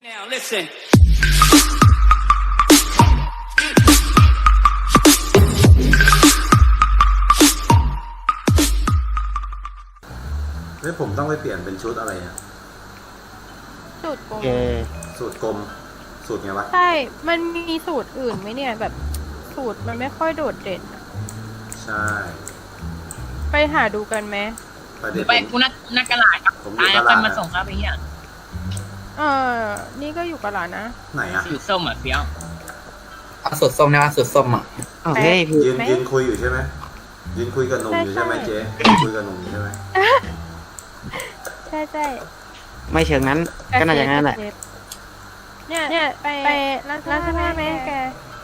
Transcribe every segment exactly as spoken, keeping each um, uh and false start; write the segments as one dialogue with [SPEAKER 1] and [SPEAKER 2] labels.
[SPEAKER 1] Now listen.
[SPEAKER 2] เฮ้ยผมต้องไปเปลี่ยนเป็นชุดอะไรอ่ะ
[SPEAKER 3] สูตรกลม
[SPEAKER 4] เอ
[SPEAKER 2] สูตรกลม สูตรไงวะ
[SPEAKER 3] ใช่ มันมีสูตรอื่นไหมเนี่ยแบบสูตรมันไม่ค่อยโดดเด่นอะ
[SPEAKER 2] ใช่
[SPEAKER 3] ไปหาดูกันไหม
[SPEAKER 2] ไปเด็ด
[SPEAKER 5] ไป
[SPEAKER 2] ผม
[SPEAKER 5] กูนักนักกระลาดครับ
[SPEAKER 2] ผมอยู่
[SPEAKER 5] ตายแล้ว
[SPEAKER 2] ต
[SPEAKER 5] ค่
[SPEAKER 2] ลา
[SPEAKER 5] อ
[SPEAKER 2] ด
[SPEAKER 5] ยมาส่งครับไอ้เหี้ย
[SPEAKER 3] เออ นี่ก็อยู่กับหลานนะ
[SPEAKER 2] ไหนอ่ะ
[SPEAKER 5] สีส้มอ่ะเฟี้ยว
[SPEAKER 6] เอาสูตรส้มนะสูตรส้มอ่ะ
[SPEAKER 4] อ้าวเฮ้ยพี่
[SPEAKER 2] ยืน
[SPEAKER 3] ไหม
[SPEAKER 2] ยืนคุยอยู่ใช่ไหมยืนคุยกับหนุ่มอยู่ใช่ไหม
[SPEAKER 3] ใช่
[SPEAKER 2] เจ๊ยืนคุยกับหนุ่มอยู่ใช่ไหม
[SPEAKER 3] ใช่ใช่
[SPEAKER 4] ไม่เชิงนั้นก็น่าจะงั้นแหละ
[SPEAKER 3] เนี่ยเนี่ยไปไปร้านร้านเสื้อผ้าไหมแก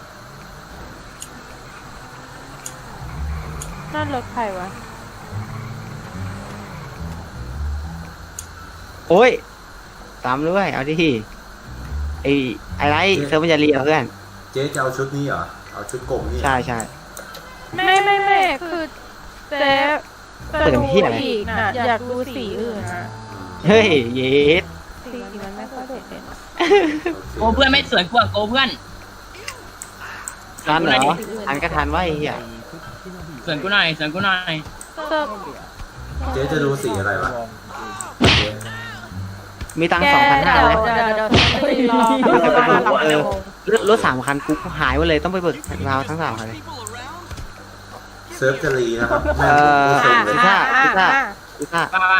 [SPEAKER 3] นั่นรถใครวะ
[SPEAKER 4] โอ้ยตามด้วยเอาดิไอ้ไอ้ไรเซิร์ฟมันจะเรียเพื่อน
[SPEAKER 2] เจ๊จะเอาชุดนี้เหรอเอาชุดกลมนี่เหรอ
[SPEAKER 4] ใช่ใช่
[SPEAKER 3] ไม่ไม่ไม่คือเจ๊
[SPEAKER 4] เปิดเป็นที่อะไร
[SPEAKER 3] อีกนะอยากดูสีอื่นนะ
[SPEAKER 4] เฮ้ยเย็ด
[SPEAKER 3] สีมันไม่ค่อยโดดเด่น
[SPEAKER 5] โกเพื่อนไม่สวยกว่าโกเพื่อน
[SPEAKER 4] ทันเหรอทันก็ทันว่าไอ้เหี้ย
[SPEAKER 5] สวยกูหน่อยสวยกูหน่อย
[SPEAKER 3] เซิร์ฟ
[SPEAKER 2] เจ๊จะดูสีอะไรวะเจ๊
[SPEAKER 4] มีตังค์สองพันห้าเลย
[SPEAKER 3] เดี๋ยวเดี๋ยวเดี๋ยวรอ
[SPEAKER 4] ไม่จะไปดู
[SPEAKER 3] รอ
[SPEAKER 4] เออรถรถสามคันกูหายหมดเลยต้องไปเบิกราวทั้งสามคันเลย
[SPEAKER 2] เซิร์ฟจะรีนะครับ
[SPEAKER 4] เอ
[SPEAKER 2] แม่ง
[SPEAKER 4] อ
[SPEAKER 2] พูดเซ็งเลย
[SPEAKER 4] พิซซ่าพิซซ่า
[SPEAKER 3] อ่ะ
[SPEAKER 4] พิซซ่า
[SPEAKER 5] ป้าป้า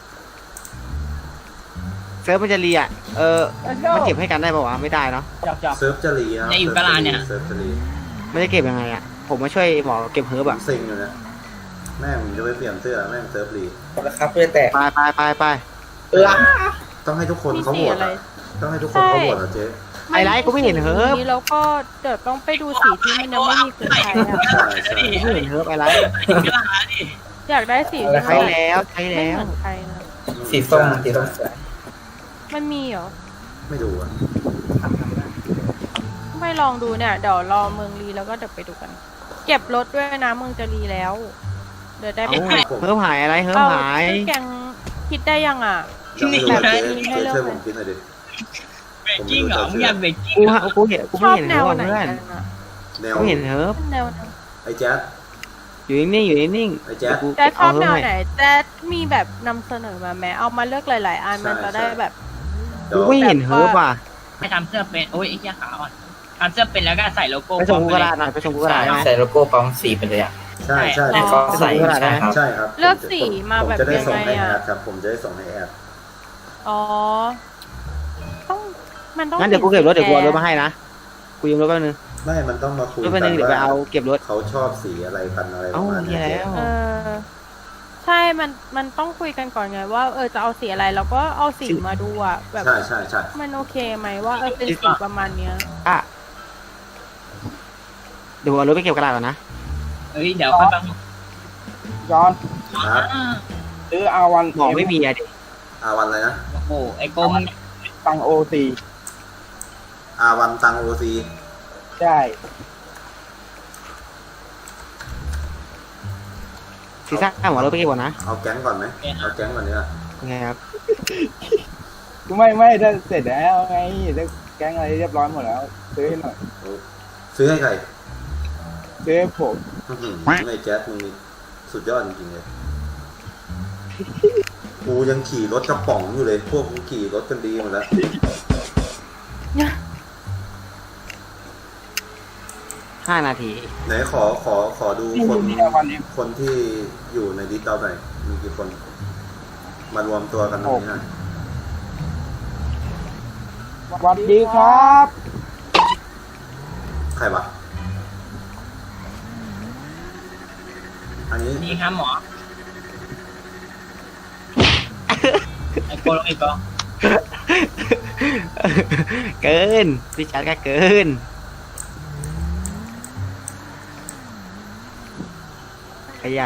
[SPEAKER 4] เซิร์ฟมันจะเรียเออมันเก็บให้กันได้ป่าวะไม่ได้เนาะ
[SPEAKER 2] เซิร์ฟจะรีนะครับ
[SPEAKER 5] เนี่ยอยู่กระลาดเนี่ย
[SPEAKER 2] เซิร์ฟจะรี
[SPEAKER 4] ไม่ได้เก็บยังไงอ่ะผมมาช่วยหมอเก็บเฮิร์บ
[SPEAKER 2] ผม
[SPEAKER 4] อ่ะ
[SPEAKER 2] เซ็งอยู่นะแม่งผมจะไปเปลี่ยนเสื้อแม่งเซิร์ฟรี
[SPEAKER 6] นะครับเพื่อแตก
[SPEAKER 4] ไปไปไปไป
[SPEAKER 6] เออ
[SPEAKER 2] ต้องให้ทุกคน
[SPEAKER 3] มี
[SPEAKER 2] เขา
[SPEAKER 3] สี
[SPEAKER 2] โหวต
[SPEAKER 3] อะไร
[SPEAKER 2] อะต้องให้ทุกคนเขาโหวตเหรอเจ๊
[SPEAKER 4] ไอ้ไรกูไม่เห็นเฮิร์บ
[SPEAKER 3] นี้แล้วก็เดี๋ยวต้องไปดูสีที่มันยังไม่มีคือใช้อะ
[SPEAKER 2] ใช่ใช่
[SPEAKER 4] กูไม่เห็นเฮิร์บไอ้ไร
[SPEAKER 5] กระลาดดิ
[SPEAKER 3] อยากได้สีที่
[SPEAKER 4] ใช้แล้วใช้
[SPEAKER 3] ไม่
[SPEAKER 4] แล้ว
[SPEAKER 3] เหมือนใครนะ
[SPEAKER 6] สีส้มสีส้มสวย
[SPEAKER 3] มันมีเหรอ
[SPEAKER 2] ไม่ดูอ่ะ
[SPEAKER 3] ไม่ลองดูเนี่ยเดี๋ยวรอเมืองรีแล้วก็เดี๋ยวไปดูกัน เก็บรถด้วยนะเมืองจะรีแล้ว เดี๋ยวได้ไป
[SPEAKER 4] เอ้า
[SPEAKER 3] ถ่าย
[SPEAKER 2] ผม
[SPEAKER 4] เฮิร์บหายอะไรเฮิร์บ
[SPEAKER 3] เอา
[SPEAKER 4] หาย
[SPEAKER 3] ชื่อแกงคิดได้ยังอ่ะ
[SPEAKER 2] ยังไม่รู้ว่าเจ๊
[SPEAKER 3] แบบนี้ให้
[SPEAKER 2] เจ๊
[SPEAKER 3] เลือก
[SPEAKER 2] ช่วยผมคิดหน่อยดิ
[SPEAKER 5] เบรกกิ้งเหรอมึงอยากเบรกกิ้ง
[SPEAKER 4] กู
[SPEAKER 5] เหรอ
[SPEAKER 4] ฮะกูเห็นกู
[SPEAKER 3] ช
[SPEAKER 4] ไม่
[SPEAKER 3] อบ
[SPEAKER 4] เห็น
[SPEAKER 3] แน
[SPEAKER 4] เฮิร์
[SPEAKER 3] ว
[SPEAKER 4] บ
[SPEAKER 3] ไหน
[SPEAKER 4] เพื่อน
[SPEAKER 3] กันอะ
[SPEAKER 2] แนว
[SPEAKER 4] กูเห็นเฮิร์บ
[SPEAKER 3] แนวไหน
[SPEAKER 2] ไอ้แจ๊ด
[SPEAKER 4] อยู่นิ่งๆอยู่นิ่ง
[SPEAKER 2] ไอ้แจ๊ด
[SPEAKER 4] กู
[SPEAKER 3] แจ๊ดชอบ
[SPEAKER 4] เา
[SPEAKER 3] แน
[SPEAKER 4] เฮิ
[SPEAKER 3] ว
[SPEAKER 4] ร์บ
[SPEAKER 3] ไหน
[SPEAKER 4] ให้
[SPEAKER 3] แจ๊ดมีแบบนำเสนอมาแม้เอามาเลือกหลาย ๆ อันมันจะได้แบบ
[SPEAKER 2] เดี๋
[SPEAKER 4] กู
[SPEAKER 2] ยว
[SPEAKER 4] ไม่เห็นเฮิร์บว่ะ
[SPEAKER 5] ให้ทำเสื้อเป็นโอ้ยไอ้เหี้ยขาวอ่ะทำเสื้อเป็นแล้วก็ใส่โลโก้
[SPEAKER 4] ไปส่งกูกระดาษหน่อยไปส่งกูกระดาษได้ไหม
[SPEAKER 6] ใส่โลโก้ปั๊มสีไปเลยอ่ะ
[SPEAKER 2] ใช่ใช่
[SPEAKER 6] ให้
[SPEAKER 2] ผ
[SPEAKER 6] เขา
[SPEAKER 2] ม
[SPEAKER 6] ใส่
[SPEAKER 4] ไปส่งกูกระดาษได้
[SPEAKER 6] ใช่
[SPEAKER 4] ไหม
[SPEAKER 6] ครับ
[SPEAKER 2] ใช่ครับ
[SPEAKER 3] เลือกสีมาแบบ
[SPEAKER 2] ผมจะได้ส่งให้
[SPEAKER 3] ยังไง
[SPEAKER 2] แอ
[SPEAKER 3] อะ
[SPEAKER 2] ดครับ ผมจะได้ส่งให้แอด
[SPEAKER 3] อ๋อ ต้องมันต้อง
[SPEAKER 4] งั้นเดี๋ยวกูเก็บรถเดี๋ยวกูเอารถมาให้นะกูยืมรถแป๊บนึง
[SPEAKER 2] ไม่มันต้องมาคุย
[SPEAKER 4] รถแป๊บนึงเดี๋ยวไปเอาเก็บรถ
[SPEAKER 2] เขาชอบสีอะไรกันอะไรป
[SPEAKER 4] เอ้า
[SPEAKER 2] ระมาณ
[SPEAKER 4] เหี้
[SPEAKER 2] เนี้
[SPEAKER 4] ย
[SPEAKER 2] ย
[SPEAKER 4] แล้ว
[SPEAKER 3] เออ ใช่ มัน มันต้องคุยกันก่อนไงว่า เออ จะเอาสีอะไร แล้วก็เอาสีมาดูอะแบบ
[SPEAKER 2] ใช่ใช่ใช่
[SPEAKER 3] มันโอเคไหมว่าเออเป็นสีประมาณเนี้ย
[SPEAKER 4] อ่ะเดี๋ยวกูเอารถไปเก็บกระดาษก่อนนะ
[SPEAKER 5] เฮ้ยเดี๋ยวค่อยบัง
[SPEAKER 7] ย้อน
[SPEAKER 2] ครับ
[SPEAKER 7] ซื้ออาวัน
[SPEAKER 4] หมอไม่มีอะดิ
[SPEAKER 2] อาวันอะไรนะ
[SPEAKER 5] โอ้โหไอ้โกมึง
[SPEAKER 7] ตังโอซี
[SPEAKER 2] อาวันตังโอซี
[SPEAKER 7] ใช่
[SPEAKER 4] ซีซ่าหมอรถไปเก็บก่อนนะ
[SPEAKER 2] เอาแก๊งก่อนไหมเอาแก๊งก่อนเนี่ย
[SPEAKER 4] โอเคครับ
[SPEAKER 7] ไม่ไม่ถ้าเสร็จแล้วไงถ้าแก๊งอะไรเรียบร้อยหมดแล้ว ซื้อให้หน่อย
[SPEAKER 2] โอ้ซื้อให้ใคร
[SPEAKER 7] ซื้อให้ผม
[SPEAKER 2] อื้อหือไอ้แจ๊ดมึงนี่สุดยอดจริงๆเลยกูยังขี่รถกระป๋องอยู่เลย พวกกูขี่รถกันดีหมดแล้ว
[SPEAKER 4] ห้านาที
[SPEAKER 2] ไหนขอขอขอดู
[SPEAKER 7] นี่
[SPEAKER 2] คน
[SPEAKER 7] นี่อาวันนี้
[SPEAKER 2] คนที่อยู่ในดิสเราหน่อยมีกี่คน มารวมตัวกันตรงนี้หน่อย
[SPEAKER 7] สวัสดีครับ
[SPEAKER 2] ใครวะอันนี้
[SPEAKER 5] นี่ครับหมอไอ้โกลงไอ้โก
[SPEAKER 4] เกินพี่ชัดก็เกินขยะ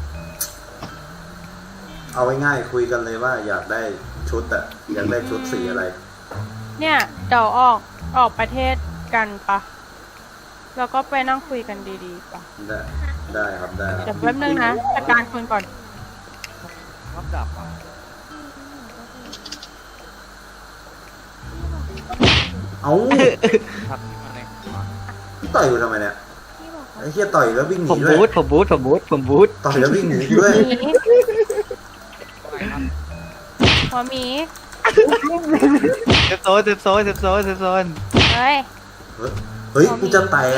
[SPEAKER 2] เอาไว้ง่ายคุยกันเลยว่าอยากได้ชุดอะอยากได้ชุดสีอะไร
[SPEAKER 3] เนี่ยเดี๋ยวออก ออกประเทศกันปะ แล้วก็ไปนั่งคุยกันดีๆปะ
[SPEAKER 2] ได้ได้ครับได้ค
[SPEAKER 3] เดี๋
[SPEAKER 2] รั
[SPEAKER 3] ย
[SPEAKER 2] บ
[SPEAKER 3] วแป๊บนึงนะจัดการคุณก่อน
[SPEAKER 2] คเอ้าต่อยกูทำไมเนี่ย
[SPEAKER 3] พี่บอกว่า
[SPEAKER 2] ไอ้เหี้ยต่อยแล้ววิ่งห
[SPEAKER 4] ผ
[SPEAKER 2] นี
[SPEAKER 4] ม
[SPEAKER 2] ด้ว
[SPEAKER 4] บู
[SPEAKER 2] ย
[SPEAKER 4] ทผมบูทผมบูทผมบูท
[SPEAKER 2] ต่อยแล้ววิ่งหนีด้วย
[SPEAKER 3] หมีหัวหมี
[SPEAKER 4] เซฟโซนเซฟโซนเซฟโซนเซฟโซน
[SPEAKER 3] เฮ้ย
[SPEAKER 2] เฮ้ยกูจะแตก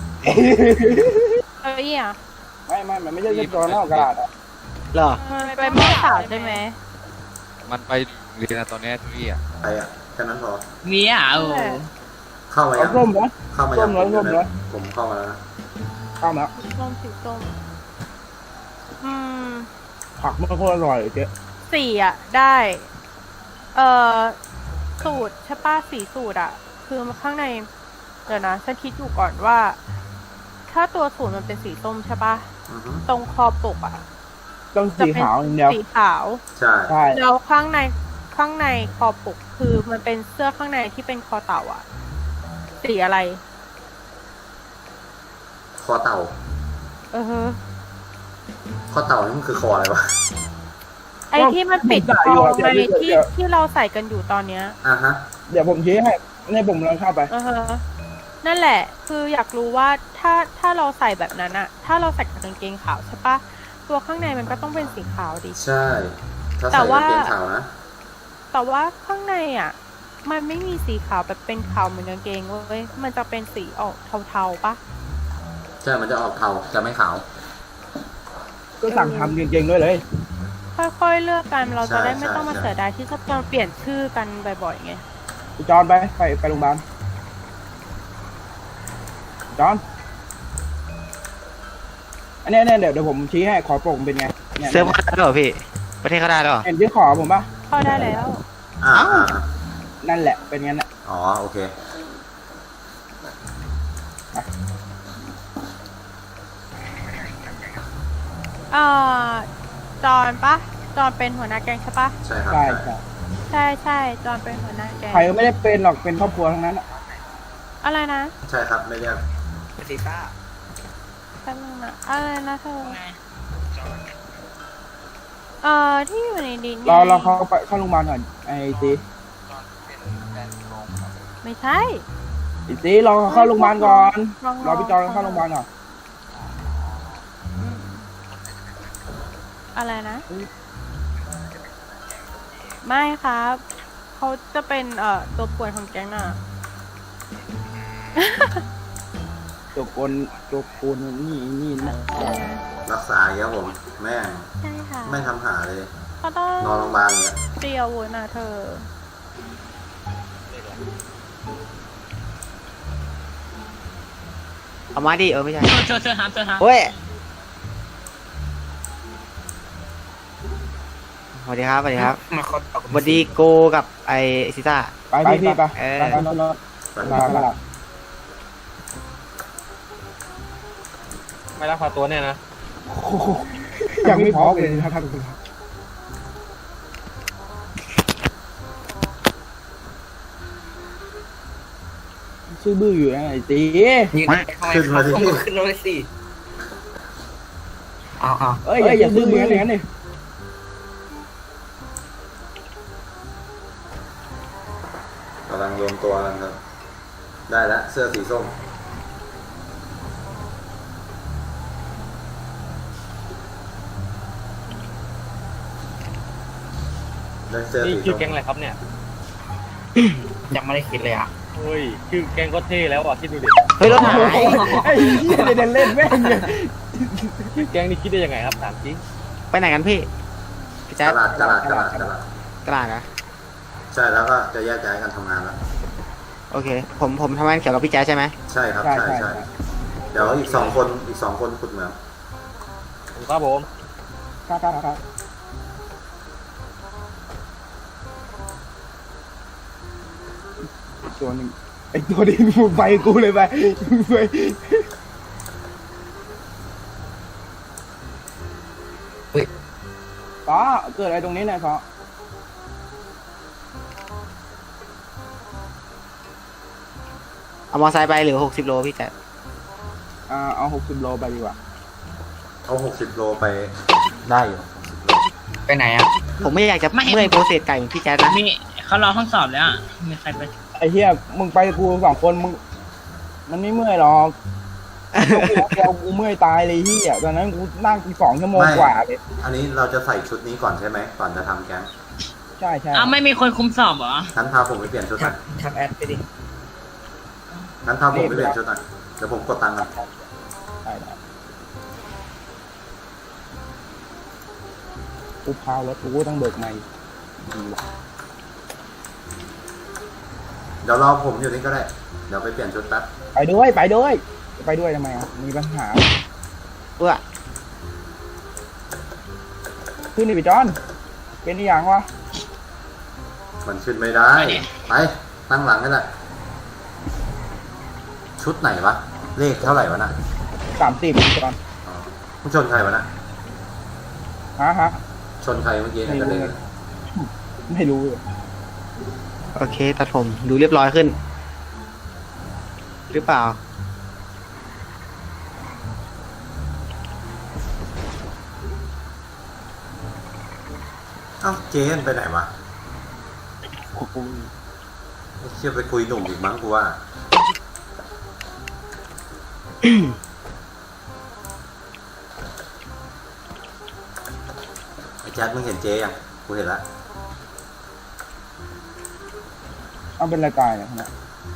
[SPEAKER 3] เฮ้ยอ่ะ
[SPEAKER 7] ไม่ไม่มันไม่ใช่เรียบร้อยนอกกระดาษอ่ะ
[SPEAKER 4] เหรอ
[SPEAKER 3] มันเป็นม้าสาวใช่ไหม
[SPEAKER 1] มันไปเรียนอะตอนเนี้ยทุยอ่ะ
[SPEAKER 2] ไปอ่ะแค่นั้นพอ
[SPEAKER 5] มีอ่ะโอ้
[SPEAKER 2] เข้ามา
[SPEAKER 7] เอา
[SPEAKER 2] ยัง
[SPEAKER 7] ส้มนะ
[SPEAKER 2] เข้ามายัง
[SPEAKER 7] ส้มเลยส้มเลย
[SPEAKER 2] ผมเข้ามาแล้วนะ
[SPEAKER 7] ข้ามแล้ว
[SPEAKER 3] สีส้มสีส้มอืม
[SPEAKER 7] ผักมันโคตรอร่อยเลยเจ๊
[SPEAKER 3] สี่อ่ะ ได้ เอ่อ สูตรใช่ป้าสีสูตรอ่ะ คือข้างใน เดี๋ยวนะฉันคิดอยู่ก่อนว่า ถ้าตัวสูตรมันเป็นสีส้มใช่ปะ
[SPEAKER 2] อือฮึ
[SPEAKER 3] ตรงคอปกอ่ะ
[SPEAKER 7] ต้อง
[SPEAKER 3] จะ
[SPEAKER 7] สี
[SPEAKER 3] เป็น
[SPEAKER 7] ขาวอย่างเดียว
[SPEAKER 3] สีขาว
[SPEAKER 2] ใช่
[SPEAKER 7] ใช่
[SPEAKER 3] แล้วข้างในข้างในคอปกคือมันเป็นเสื้อข้างในที่เป็นคอเต่าอ่ะ สีอะไร
[SPEAKER 2] คอเต่า
[SPEAKER 3] เออฮะ
[SPEAKER 2] คอเต่านี่มันคือคออะไรวะ
[SPEAKER 3] ไอที่มันปิดคอไงที่ที่เราใส่กันอยู่ตอนเนี้ย
[SPEAKER 2] อ่ะฮะ
[SPEAKER 7] เดี๋ยวผมชี้ให้ในผมลองเข้าไป
[SPEAKER 3] เออฮะนั่นแหละ คืออยากรู้ว่าถ้าถ้าเราใส่แบบนั้นอะถ้าเราใส่กับกางเกงขาวใช่ปะตัวข้างในมันก็ต้องเป็นสีขาวดิ
[SPEAKER 2] ใช่ ถ้า
[SPEAKER 3] แต่
[SPEAKER 2] ใส่
[SPEAKER 3] ว่า
[SPEAKER 2] กางเกงขาวนะ
[SPEAKER 3] แต่ว่าข้างในอะมันไม่มีสีขาวแบบเป็นขาวเหมือนกางเกงเว้ยมันจะเป็นสีออกเทาๆปะ
[SPEAKER 2] ใช่ มันจะออกเทาจะไม่ขาว
[SPEAKER 7] ก็สั่งทำจริงๆด้วยเลย
[SPEAKER 3] ค่อยๆเลือกกันเราจะได้ไม่
[SPEAKER 2] ใช่
[SPEAKER 3] ต้องมา
[SPEAKER 2] ใช่
[SPEAKER 3] เสียดายที่จะต้องเปลี่ยนชื่อกันบ่อยๆไง
[SPEAKER 7] จอนไปไปไปโรงพยาบาลจอนอันเนี้ยเนี่ยเดี๋ยวเดี๋ยวผมชี้ให้ขอปกมันเป็นไงเนี่ย
[SPEAKER 4] เซิร์ฟเขาได้แล้วเหรอพี่ ประเทศเขาได้แล้วเหรอ
[SPEAKER 7] เห็นที่ขอผมปะ
[SPEAKER 3] เข้าได้แล้ว
[SPEAKER 2] อ่า
[SPEAKER 4] เอ้า
[SPEAKER 2] อ่าอ่า
[SPEAKER 7] นั่นแหละเป็นงั้นแหละ
[SPEAKER 2] อ๋อ โอเค
[SPEAKER 3] เอ่อจอนปะจอนเป็นหัวหน้าแก๊งใช่ปะ
[SPEAKER 2] ใช่ครับ
[SPEAKER 7] ใช่
[SPEAKER 2] ใช่
[SPEAKER 7] ใช่
[SPEAKER 3] ใช่ใช่จอนเป็นหัวหน้าแก๊ง
[SPEAKER 7] ใครก็ไม่ได้เป็นหรอกเป็นครอบครัวทั้งนั้นอะ
[SPEAKER 3] อะไรนะ
[SPEAKER 2] ใช่ครับ ไม่เรียก
[SPEAKER 4] ซีซ่า
[SPEAKER 3] แป๊บนึงนะอะไรนะเธอเอ่อที่อยู่ในดิน
[SPEAKER 7] เราเราเข้าไปเข้าโรงพยาบาลก่อนไอ้ตี
[SPEAKER 3] ไม่ใช่
[SPEAKER 7] ไอ้ตีรอเข้าโรงพยาบาลก่อนรอพี่จอนเข้าโรงพยาบาลก่อน
[SPEAKER 3] อะไรนะ ไม่ครับเขาจะเป็นเอ่อตัวป่วนของแก๊งน่ะ
[SPEAKER 7] ตัวกลตัวกูนนี่นี่นะ
[SPEAKER 2] รักษาอย่างเงี้ยผม แม่ง
[SPEAKER 3] ใช่ค่ะ
[SPEAKER 2] ไม่ทำหาเลย
[SPEAKER 3] เขาต้อง
[SPEAKER 2] นอนโรงพยาบาลอย่างเงี้ย
[SPEAKER 3] เตรียมอาวุธนะเธอ
[SPEAKER 4] เอามาดิเออไม่ใช่
[SPEAKER 5] เธอเธอเธอห้ามเธอห้าม
[SPEAKER 4] โอ้ยสวัสดีครับสวัสดีครับ
[SPEAKER 6] มาเขาตอก
[SPEAKER 4] สวัสดีโกกับไอซีซ่า
[SPEAKER 7] ไปพี่พี่ไป
[SPEAKER 4] เออ
[SPEAKER 7] ไปรถรถ
[SPEAKER 2] ไป
[SPEAKER 7] มามา
[SPEAKER 1] ไม่รักพาตัวเนี่ยนะ
[SPEAKER 7] ยังไม่พร้อมเลยครับท่านชื่อบื้ออยู่นะไอ้ตี
[SPEAKER 6] ยืนขึ้นมาดิขึ้นรถเลยสิเอาเอา
[SPEAKER 7] เอ้ยอย่าซื้อมืออย่างนั้นดิ
[SPEAKER 2] กำลังรวมตัวกันครับ ได้แล้ว เสื้อสีส้ม ได้เสื้อ
[SPEAKER 1] นี่
[SPEAKER 2] สี
[SPEAKER 1] ชื่อ
[SPEAKER 2] ส้ม
[SPEAKER 1] แก๊งอะไรครับเนี่ย
[SPEAKER 6] ยังไม่ได้คิดเลยอ่ะ
[SPEAKER 1] เฮ้ยชื่อแก๊งก็เท่แล้วอ่ะคิดดูดิ
[SPEAKER 4] เฮ้ยรถหาย
[SPEAKER 7] ไอ้เหี้ยเดินเล่นแม่งเลย
[SPEAKER 1] ชื่อแก๊งนี่คิดได้ยังไงครับถามจริง
[SPEAKER 4] ไปไหนกันพี่พี่
[SPEAKER 2] ต
[SPEAKER 4] แจ๊ด
[SPEAKER 2] ลาดตลาดตลาดตลาด
[SPEAKER 4] ตลาดเหรอะ
[SPEAKER 2] ใช่แล้วก็จะแยกย้ายกันทำงานแล้ว
[SPEAKER 4] โอเค ผมผมทำงานเกี่ยวกับพี่แจ๊ดใช่ไหม
[SPEAKER 2] ใช่ครับ
[SPEAKER 7] ใช่
[SPEAKER 2] ใช่
[SPEAKER 7] ใช่
[SPEAKER 2] ใช่เดี๋ยวอีกสองคนอีกสองคนขุดเหมือง
[SPEAKER 1] ครับผม
[SPEAKER 7] ครับครับครับตัวหนึ่งไอ้ตัวนี้มึงไปกูเลยไปมึงไปฟ้าเกิดอะไรตรงนี้เนี่ยฟ้า
[SPEAKER 4] เอามอไซค์ไปหรือหกสิบโลพี่แจ๊ด
[SPEAKER 7] อ่าเอาหกสิบโลไปดีกว่า
[SPEAKER 2] เอาหกสิบโลไปได้อยู่
[SPEAKER 6] ไปไหนอ่ะ
[SPEAKER 4] ผมไม่อยากจะเมื่อยโปรเซสไก่เหมือนพี่แจ๊ดนะ
[SPEAKER 5] มีเขารอห้องสอบแล้วอ่ะมีใครไป
[SPEAKER 7] ไอ้เหี้ยมึงไปกับกูสองคนมึงมันไม่เมื่อยหรอกเดียวกูเมื่อยตายเลยเหี้ยตอนนั้นกูนั่งกี่สองชั่วโมงกว่าเลย
[SPEAKER 2] อันนี้เราจะใส่ชุดนี้ก่อนใช่ไหมก่อนจะทำแก๊ง
[SPEAKER 7] ใช่ใช่
[SPEAKER 5] อ้าวไม่มีคนคุมสอบเหรอ
[SPEAKER 2] งั้นพาผมไปเปลี่ยนชุดห
[SPEAKER 6] ทั
[SPEAKER 2] น่
[SPEAKER 6] ก
[SPEAKER 2] อย
[SPEAKER 6] ทักแอดไปดิ
[SPEAKER 2] งั้นพาผมไปเปลี่ยนชุดหน่อยเดี๋ยวผมกดตังค์ก่อน
[SPEAKER 7] ได้ได้กูพาวรถกูต้องเบิกใหม่ดีว่ะ
[SPEAKER 2] เดี๋ยวรอผมอยู่นี่ก็ได้เดี๋ยวไปเปลี่ยนชุดแป๊บ
[SPEAKER 7] ไปด้วยไปด้วยไปด้วยทำไมอ่ะมีปัญหา
[SPEAKER 4] เพื่อ
[SPEAKER 7] ขึ้นดิพี่จอนเป็นอีหยังวะ
[SPEAKER 2] มันขึ้นไม่ได้ไปตั้งหลังนี่แหละชุดไหนวะเลขเท่าไหร่วะน่ะ
[SPEAKER 7] สามสิบพี่จอน
[SPEAKER 2] อ๋อมึงชนใครวะน่ะ
[SPEAKER 7] ฮะฮะ
[SPEAKER 2] ชนใครเมื่อกี้เนี่ยกระเด็นเลย
[SPEAKER 7] ไม่รู้เลย
[SPEAKER 4] โอเคตัดผมดูเรียบร้อยขึ้น หรือเปล่า
[SPEAKER 2] เอ้าเจนไปไหนวะเชื่อไปคุยหนุ่มอีกมั้งกูว่า ไอ้แจ๊ดมึงเห็นเจยังกูเห็นละ
[SPEAKER 7] เอาเป็นรายการเนี่ยนะ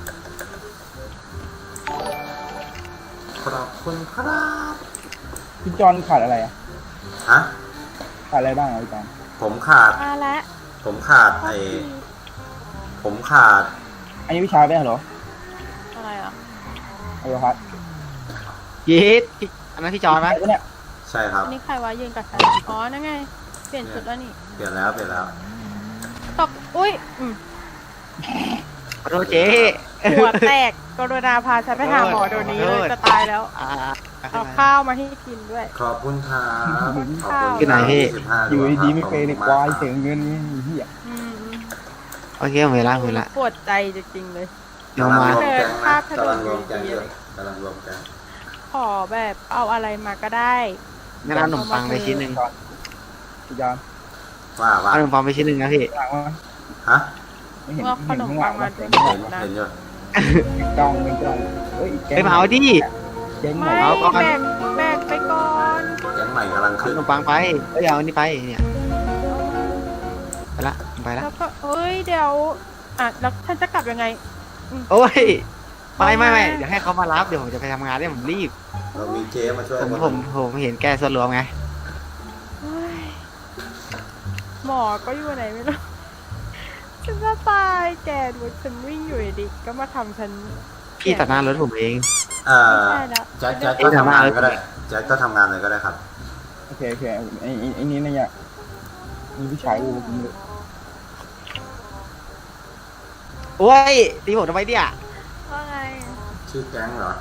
[SPEAKER 2] ขอบคุณครับ
[SPEAKER 7] พี่จอนขาดอะไรอ่ะ
[SPEAKER 2] ฮะ
[SPEAKER 7] ขาดอะไรบ้างอ่ะพี่จอน
[SPEAKER 2] ผมขาด
[SPEAKER 3] มาแล้ว
[SPEAKER 2] ผมขาดไอ้ผมขาด
[SPEAKER 7] อันนี้วิชาไปเหรอ
[SPEAKER 3] อะไรอ่ะ
[SPEAKER 7] ไอ้ครับ
[SPEAKER 4] ยีดพี่อันนั้นพี่จอนไหม
[SPEAKER 7] ไอ้เนี่ย
[SPEAKER 2] ใช่ครับ
[SPEAKER 3] อันนี้ใครวะยืนกับฉันอ๋อนั่นไงเปลี่ยนชุดแล้วนี่
[SPEAKER 2] เปลี่ยนแล้วเปลี่ยนแล้ว
[SPEAKER 3] ตกอุ้ยอืม
[SPEAKER 4] ขอโทษเจ๊
[SPEAKER 3] หัวแตกกรุณาพาฉันไปหาหมอเดี๋ยวนี้เลยจะตายแล้ว
[SPEAKER 4] อ่า
[SPEAKER 3] เอาข้าวมาให้กินด้วย
[SPEAKER 2] ขอบคุณครับ
[SPEAKER 3] ขอบคุณ
[SPEAKER 4] ที่ไหนพี่
[SPEAKER 2] สิบห้า
[SPEAKER 7] อยู่ดีๆไม่เคยในควาย
[SPEAKER 2] ถึ
[SPEAKER 7] เสีย
[SPEAKER 2] ง
[SPEAKER 7] งเงินนี่เหี้ย
[SPEAKER 3] อืม
[SPEAKER 4] โอเคผมเห็นละผมเห็นละ
[SPEAKER 3] ปวดใจจริงๆเลย
[SPEAKER 4] เดี๋ยวมา
[SPEAKER 2] กำลังรวมแก๊ง
[SPEAKER 3] ภา
[SPEAKER 2] นะ
[SPEAKER 3] พถนน
[SPEAKER 2] กำลังรวมแก๊งอยู่กำลังรวมแก๊ง
[SPEAKER 3] ขอแบบเอาอะไรมาก็ได้
[SPEAKER 4] งั้นเอาขนมปังไปชิ้นหนึ่ง
[SPEAKER 7] พี่จอน
[SPEAKER 2] ว่าว่า
[SPEAKER 4] เอาขนมปังไปชิ้นหนึ่งนะพี่
[SPEAKER 7] หลังว่า
[SPEAKER 2] ฮะ
[SPEAKER 7] ไม่เห็น
[SPEAKER 3] ว่าขนมปังมา
[SPEAKER 7] เห็
[SPEAKER 3] เป็น
[SPEAKER 7] น
[SPEAKER 3] ผ
[SPEAKER 7] ข้างหลัง
[SPEAKER 3] มนะ
[SPEAKER 2] เห็นอยู่
[SPEAKER 7] จ้องเป็นจ้องเฮ้ยแก
[SPEAKER 4] ไปเผาดิ
[SPEAKER 7] เจ๊งหม
[SPEAKER 3] ไม่
[SPEAKER 7] ด
[SPEAKER 4] เอาก่อน
[SPEAKER 3] แบกแบกไปก่อน
[SPEAKER 2] แก๊งใหม่กำลัง
[SPEAKER 4] เอา
[SPEAKER 2] ขึ้น
[SPEAKER 4] ขนมปังไปเอ้ยเอาอันนี้ไปเนี่ยไปละไปละ
[SPEAKER 3] แล้วก็เอ้ยเดี๋ยวอ่ะแล้วฉันจะกลับยังไง
[SPEAKER 4] โอ้ยไม่ไม่ไม่เดี๋ยวให้เขามารับเดี๋ยวผมจะไปทำงานเนี่ยผมรีบ
[SPEAKER 2] เรามีเจมาช่วย
[SPEAKER 4] ผม
[SPEAKER 2] คน
[SPEAKER 4] ผมผมเห็นแกส่วนรวมไง
[SPEAKER 3] เฮ้ยหมอก็อยู่ไหนไม่รู้ ฉันจะตายแกดูฉันวิ่งอยู่ดีๆก็มาทำฉัน
[SPEAKER 4] พี่ตัดหน้ารถผมเอง
[SPEAKER 2] เอ่อ
[SPEAKER 3] ไม่ใช่แล้ว
[SPEAKER 2] แจ็คแจ็คก็ทำงานก็ได้แจ็คก็ทำงานเลยก็ได้ครับ
[SPEAKER 7] โอเคโอเคไอ้ไอ้ไอ้นี่นะเนี่ยมีผู้ชายกูกินเลย
[SPEAKER 4] โอ้ยตีผมทำไมเนี่ย
[SPEAKER 3] ว่าไง
[SPEAKER 2] ชื่อแก๊งเหรอ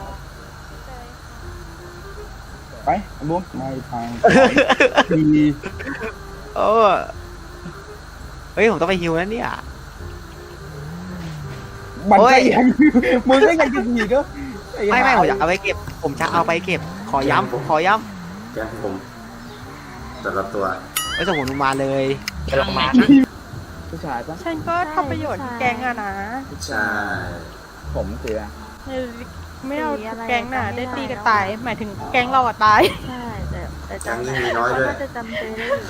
[SPEAKER 7] ไปบุ้มไม่ทางดี
[SPEAKER 4] โอ้เฮ้ยผมต้องไปฮิวแล้วเนี่ย
[SPEAKER 7] มัน
[SPEAKER 4] โอ้
[SPEAKER 7] ก็
[SPEAKER 4] ย
[SPEAKER 7] ยังมึงก็ยังจะหนีก็
[SPEAKER 4] ไม่ไม่ผมจะเอาไปเก็บ ผมจะเอาไปเก็บ ขอย้ำขอย้
[SPEAKER 2] แก๊งผมแต่ละตัว
[SPEAKER 4] ำไม่ส่งผมลงมาเลย
[SPEAKER 6] ไปลงมา
[SPEAKER 7] ผู้ชายปะ
[SPEAKER 3] ฉันก็ทำประโยชน์ที่แกงอะนะ
[SPEAKER 2] ใช่
[SPEAKER 7] ผมเสีย
[SPEAKER 3] ไม่เอาแกงน่ะได้ตีกันตาย หมายถึงแกงเราอะตาย
[SPEAKER 8] ใช่แต่แต่
[SPEAKER 2] แก๊ง
[SPEAKER 8] จำ
[SPEAKER 2] ยิ่งมีน้อยด้วย
[SPEAKER 8] เขาจะจำเจได้อยู่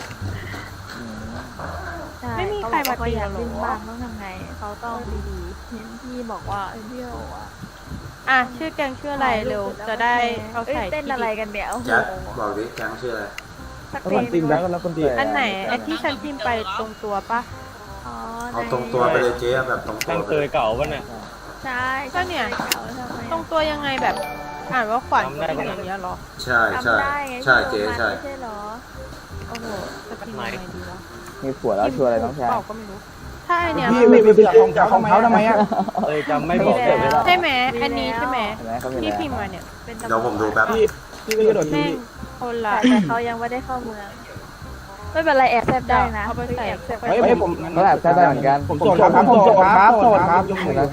[SPEAKER 8] ใช่
[SPEAKER 3] ไม่มีใครมา
[SPEAKER 8] เขบอกว่
[SPEAKER 3] ตี
[SPEAKER 8] อยาก
[SPEAKER 3] หรอ
[SPEAKER 8] เล่นบ้างต้องทำไงเขาต้องดีๆเห็นพี่บอกว่าเอ้ยพี่บอกว่า
[SPEAKER 3] อ่ะชื่อแกงชื่ออะไรเร็วจะได้เอา
[SPEAKER 8] เอ้ย
[SPEAKER 3] ใส่
[SPEAKER 8] เต้นอะไรกันเดี๋ยวโอ้โห
[SPEAKER 2] แจ็คบอกดิแก๊งชื่ออะไร
[SPEAKER 8] สัก
[SPEAKER 7] แล้ว
[SPEAKER 8] เพล
[SPEAKER 7] คน
[SPEAKER 8] ง
[SPEAKER 7] ตีมแล้วแล้วคนตี
[SPEAKER 3] อันไหนไอ้ที่ฉันพิมพ์ไปตรงตัวปะ
[SPEAKER 8] อ๋อ
[SPEAKER 2] เอาตรงตัวไปเลยเจ๊แบบตรงตั
[SPEAKER 1] ตั้
[SPEAKER 2] ว
[SPEAKER 1] ง
[SPEAKER 2] ไป
[SPEAKER 1] เค
[SPEAKER 2] เลย ย
[SPEAKER 1] เก่าปะเนี่ย
[SPEAKER 8] ใช่
[SPEAKER 3] ก็เนี่ย
[SPEAKER 8] ใช่ทำไม
[SPEAKER 3] ตรงตัวยังไงแบบ อ่านว่าขวัญ
[SPEAKER 1] จำได้
[SPEAKER 3] เป็น
[SPEAKER 1] ปะ
[SPEAKER 3] อย่างเงี้ยเหรอ
[SPEAKER 2] ใช่ใช่
[SPEAKER 8] จำได้ไง
[SPEAKER 2] ใช่
[SPEAKER 8] ที่
[SPEAKER 2] เจ๊
[SPEAKER 8] โรงงาน
[SPEAKER 2] ใช่
[SPEAKER 8] ไม่ใช่เหรอ
[SPEAKER 3] โอ้โหจะพิมพ์ยังไงดีวะ
[SPEAKER 7] มีผัวแล้วชัวร์อะไรน้องชาย
[SPEAKER 3] เปล่าก็ไม่รู้ถ้าไอเนี้ย
[SPEAKER 7] พี่ไม่ไปจับของจับของเขาทำไมอ่ะ
[SPEAKER 1] เอ้ยจำไม่บอกเลยไม่ได้
[SPEAKER 3] ใช่ไหมอันนี้ใช่ไหม
[SPEAKER 7] เห็นไหมเขามี
[SPEAKER 3] ที่
[SPEAKER 7] แล้ว
[SPEAKER 3] พิมพ์มาเนี่ย
[SPEAKER 8] เป็น
[SPEAKER 2] เดี๋ยวผมดูแป๊บ
[SPEAKER 7] พี่พี่ไม่กระโดดที
[SPEAKER 3] แม่งคนละ
[SPEAKER 8] แต่แต่เขายังไม่ได้เข้าเมือง ไม่เป็นไรแอบแซบได้นะ
[SPEAKER 3] เอาไปใส่
[SPEAKER 8] แอบแซบ
[SPEAKER 7] เฮ้ยเฮ้ยผมก็แบบใช้ได้เหมือนกันผมโสดครับผมโสดครับโสดครับยกมือ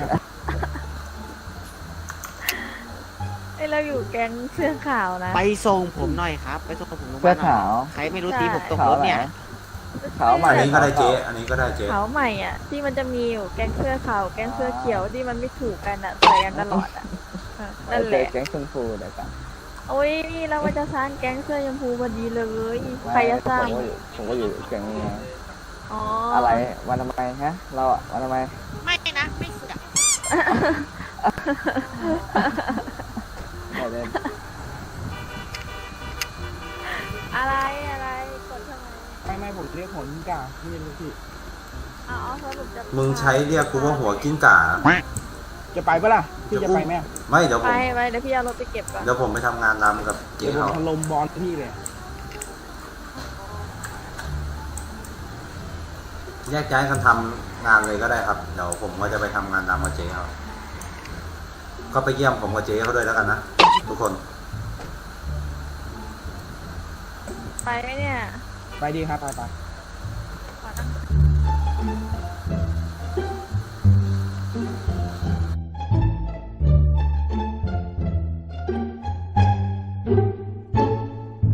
[SPEAKER 8] ไอยเราอยู่แก๊งเสื้อขาวนะ
[SPEAKER 4] ไปส่งผมหน่อยครับ ไปส่งผมลงมาหน่อย
[SPEAKER 7] เสื้อขาว
[SPEAKER 4] ใครไม่รู้ตีผมตกรถเนี่ย
[SPEAKER 8] เ
[SPEAKER 1] ขาวใหม่
[SPEAKER 2] อันนี้ก็ได้เจ๊อันนี้ก็ได้เจ๊
[SPEAKER 8] ขาวใหม่อ่ะ ที่มันจะมีอยู่แก๊งเสื้อขาวแก๊งเสื้อเขียวที่มันไม่ถูกกันอ่ะใส่กันตลอดอ่ะเออนั่นแหละ
[SPEAKER 1] แก๊งชมพูเดี๋ยวกัน
[SPEAKER 8] โอ้ยนี่เราว่าจะสร้างแก๊งเสื้อชมพูพอดีเลย ใครจะสร้าง
[SPEAKER 1] ผมก็อยู่ผมก็อยู่แก๊งนี้ไง
[SPEAKER 8] อ๋อ
[SPEAKER 1] อะ
[SPEAKER 8] อะไร
[SPEAKER 1] วันทำไมฮะ เราอะวันทำไม
[SPEAKER 3] ไม่นะ ไม่เสือก
[SPEAKER 1] ไม่เล่น
[SPEAKER 8] อะไรอะไรกดทำไม
[SPEAKER 7] ไม่ไม่ผมเรียกหัวกิ้งก่าพี่ลูกพี่
[SPEAKER 8] อ๋อสรุปจะ
[SPEAKER 2] มึงใช้เรียกกูว่าหัวกิ้งก่า
[SPEAKER 7] จะไปปะล่ะพี่จะไปไหม
[SPEAKER 2] ไม่เดี๋ยวผ
[SPEAKER 8] ไป
[SPEAKER 2] ม
[SPEAKER 8] ไปเดี๋ยวพี่เอารถไปเก็บก่อน
[SPEAKER 2] เดี๋ยวผมไปทำงานรำกับเจ๊
[SPEAKER 7] เดี๋ยวผม
[SPEAKER 2] เขา
[SPEAKER 7] ถล่มบอลพี่เลย
[SPEAKER 2] แยกย้ายกันทำงานเลยก็ได้ครับเดี๋ยวผมก็จะไปทำงานรำกับเจ๊เขาก็ไปเยี่ยมผมกับเจ๊เขาด้วยแล้วกันนะทุกคน
[SPEAKER 8] ไปไหมเนี่ย
[SPEAKER 7] ไปดีครับไปไป
[SPEAKER 8] ไ